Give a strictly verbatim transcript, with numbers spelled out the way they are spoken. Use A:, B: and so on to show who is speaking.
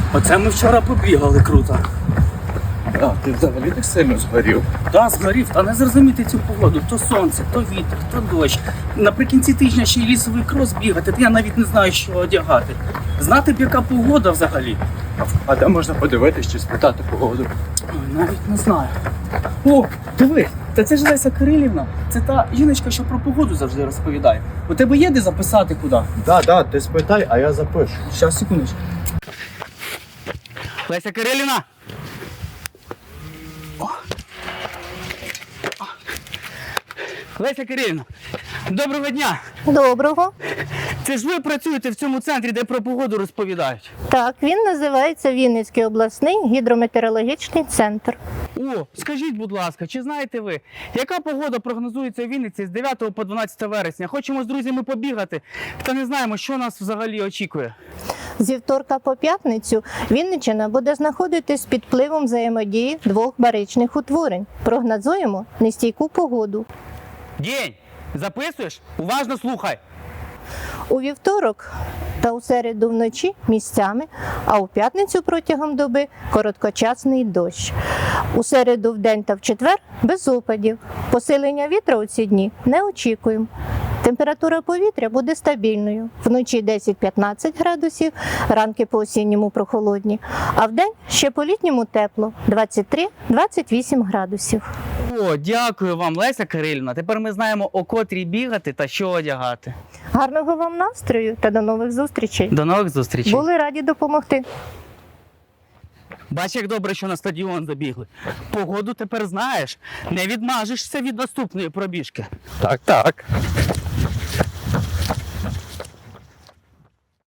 A: Оце ми вчора побігали круто.
B: А, ти взагалі так сильно згорів.
A: Та згорів, та не зрозуміти цю погоду. То сонце, то вітер, то дощ. Наприкінці тижня ще й лісовий крос бігати, то я навіть не знаю, що одягати. Знати б, яка погода взагалі.
B: А де можна подивитись чи спитати погоду?
A: Ой, навіть не знаю. О, диви, та це ж Леся Кирилівна. Це та жіночка, що про погоду завжди розповідає. У тебе є де записати куди?
B: Да, да, ти спитай, а я запишу.
A: Щас, секундочку. Леся Кирилівна! О. О. Леся Кирилівна, доброго дня!
C: Доброго.
A: Це ж ви працюєте в цьому центрі, де про погоду розповідають?
C: Так, він називається Вінницький обласний гідрометеорологічний центр.
A: О, скажіть, будь ласка, чи знаєте ви, яка погода прогнозується в Вінниці з дев'ятого по дванадцяте вересня? Хочемо з друзями побігати, та не знаємо, що нас взагалі очікує.
C: Зі вторка по п'ятницю Вінниччина буде знаходитись під впливом взаємодії двох баричних утворень. Прогнозуємо нестійку погоду.
A: День! Записуєш? Уважно слухай!
C: У вівторок та у середу вночі місцями, а у п'ятницю протягом доби короткочасний дощ. У середу вдень та в четвер без опадів. Посилення вітра у ці дні не очікуємо. Температура повітря буде стабільною. Вночі десять-п'ятнадцять градусів, ранки по осінньому прохолодні, а вдень ще по літньому тепло двадцять три - двадцять вісім градусів.
A: О, дякую вам, Леся Кирилівна. Тепер ми знаємо, о котрій бігати та що одягати.
C: Гарного вам настрою та до нових зустрічей.
A: До нових зустрічей.
C: Були раді допомогти.
A: Бач, як добре, що на стадіон забігли. Погоду тепер знаєш. Не відмажешся від наступної пробіжки.
B: Так, так.